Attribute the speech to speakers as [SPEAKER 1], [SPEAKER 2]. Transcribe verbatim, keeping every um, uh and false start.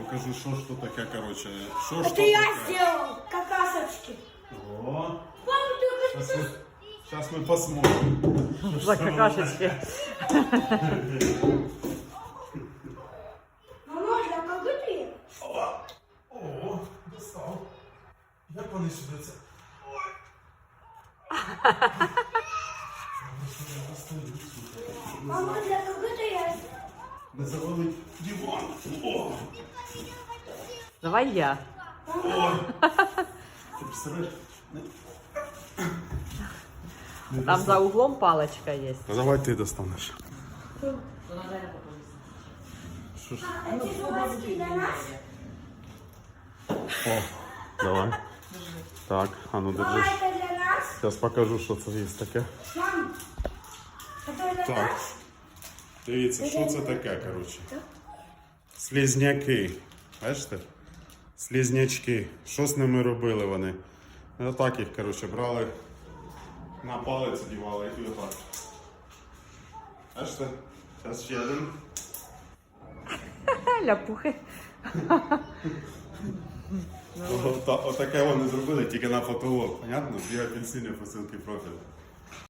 [SPEAKER 1] покажу, що ж то таке, короче. Що ж
[SPEAKER 2] Это
[SPEAKER 1] то
[SPEAKER 2] я
[SPEAKER 1] таке.
[SPEAKER 2] сделал, какасочки.
[SPEAKER 1] О,
[SPEAKER 2] Мам, ты
[SPEAKER 1] сейчас мы, сейчас мы посмотрим.
[SPEAKER 3] За какашечки.
[SPEAKER 2] Мама, для кого ты?
[SPEAKER 1] О, о, достав. Як вони сюди це?
[SPEAKER 2] Мама, для кого ты я?
[SPEAKER 1] Не завалить диван. О,
[SPEAKER 3] Давай я.
[SPEAKER 1] о. Ти представляєш?
[SPEAKER 3] Там за углом палочка є.
[SPEAKER 1] Ну, давай ти достанеш. Що ж?
[SPEAKER 2] А эти жвачки для нас?
[SPEAKER 1] О, давай. Так, а ну
[SPEAKER 2] Мама,
[SPEAKER 1] держи.
[SPEAKER 2] это для нас?
[SPEAKER 1] Зараз покажу, що це є таке.
[SPEAKER 2] Мам, это для
[SPEAKER 1] Так.
[SPEAKER 2] нас?
[SPEAKER 1] Дивіться, що це таке, коротше. Слізняки. Бачите? Слізнячки. Що з ними робили вони? Отак їх, коротше, брали, на палець одівали і отак. Бачите? Зараз ще один.
[SPEAKER 3] Ляпухи.
[SPEAKER 1] Ота- Отаке вони зробили, тільки на фотолог. Понятно? Дві апельсини посилки профілю.